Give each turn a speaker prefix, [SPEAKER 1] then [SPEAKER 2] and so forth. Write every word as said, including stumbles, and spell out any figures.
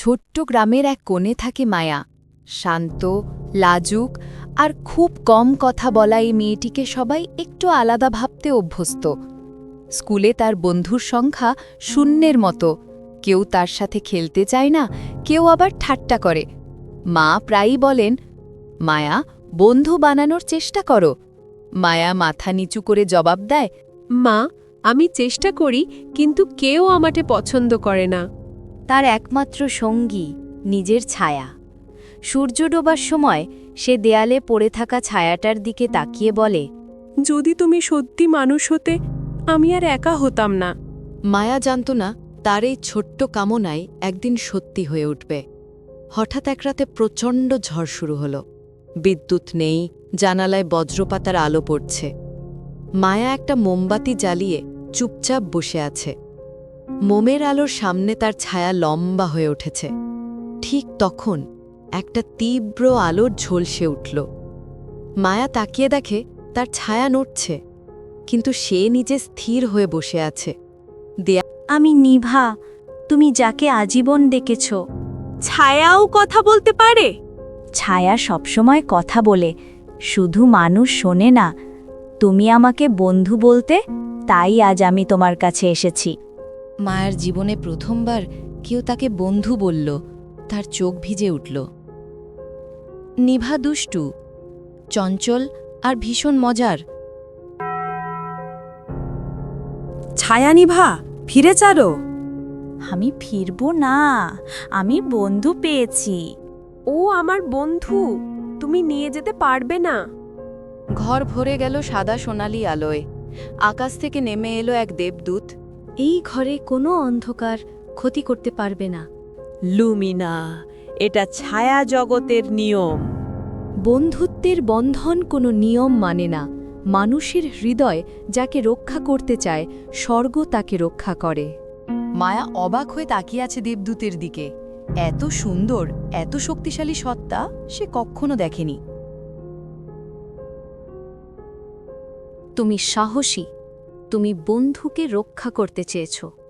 [SPEAKER 1] ছোট্ট গ্রামের এক কোণে থাকে মায়া। শান্ত, লাজুক আর খুব কম কথা বলা এই মেয়েটিকে সবাই একটু আলাদা ভাবতে অভ্যস্ত। স্কুলে তার বন্ধুর সংখ্যা শূন্যের মতো। কেউ তার সাথে খেলতে চায় না, কেউ আবার ঠাট্টা করে। মা প্রায়ই বলেন, মায়া, বন্ধু বানানোর চেষ্টা করো। মায়া মাথা নিচু করে জবাব দেয়,
[SPEAKER 2] মা, আমি চেষ্টা করি, কিন্তু কেউ আমাকে পছন্দ করে না।
[SPEAKER 1] তার একমাত্র সঙ্গী নিজের ছায়া। সূর্য ডোবার সময় সে দেয়ালে পড়ে থাকা ছায়াটার দিকে তাকিয়ে বলে,
[SPEAKER 2] যদি তুমি সত্যি মানুষ হতে, আমি আর একা হতাম না।
[SPEAKER 1] মায়া জানত না তার এই ছোট্ট কামনাই একদিন সত্যি হয়ে উঠবে। হঠাৎ এক রাতে প্রচণ্ড ঝড় শুরু হলো। বিদ্যুৎ নেই, জানালায় বজ্রপাতার আলো পড়ছে। মায়া একটা মোমবাতি জ্বালিয়ে চুপচাপ বসে আছে। মোমের আলোর সামনে তার ছায়া লম্বা হয়ে উঠেছে। ঠিক তখন একটা তীব্র আলোর ঝলসে উঠল। মায়া তাকিয়ে দেখে তার ছায়া নড়ছে, কিন্তু সে নিজে স্থির হয়ে বসে আছে।
[SPEAKER 3] আমি নিভা, তুমি যাকে আজীবন ডেকেছ।
[SPEAKER 2] ছায়াও কথা বলতে পারে?
[SPEAKER 3] ছায়া সবসময় কথা বলে, শুধু মানুষ শোনে না। তুমি আমাকে বন্ধু বলতে, তাই আজ আমি তোমার কাছে এসেছি।
[SPEAKER 1] মায়ার জীবনে প্রথমবার কেউ তাকে বন্ধু বলল। তার চোখ ভিজে উঠল। নিভা দুষ্টু, চঞ্চল আর ভীষণ মজার।
[SPEAKER 2] ছায়া নিভা, ফিরে চারো।
[SPEAKER 3] আমি ফিরব না, আমি বন্ধু পেয়েছি।
[SPEAKER 2] ও আমার বন্ধু, তুমি নিয়ে যেতে পারবে না।
[SPEAKER 1] ঘর ভরে গেল সাদা সোনালি আলোয়। আকাশ থেকে নেমে এলো এক দেবদূত।
[SPEAKER 3] এই ঘরে কোনো অন্ধকার ক্ষতি করতে পারবে না।
[SPEAKER 2] লুমিনা, এটা ছায়া জগতের নিয়ম।
[SPEAKER 1] বন্ধুত্বের বন্ধন কোনো নিয়ম মানে না। মানুষের হৃদয় যাকে রক্ষা করতে চায়, স্বর্গ তাকে রক্ষা করে। মায়া অবাক হয়ে তাকিয়ে আছে দেবদূতের দিকে। এত সুন্দর, এত শক্তিশালী সত্তা সে কখনো দেখেনি। তুমি সাহসী, তুমি বন্ধুকে রক্ষা করতে চেয়েছো।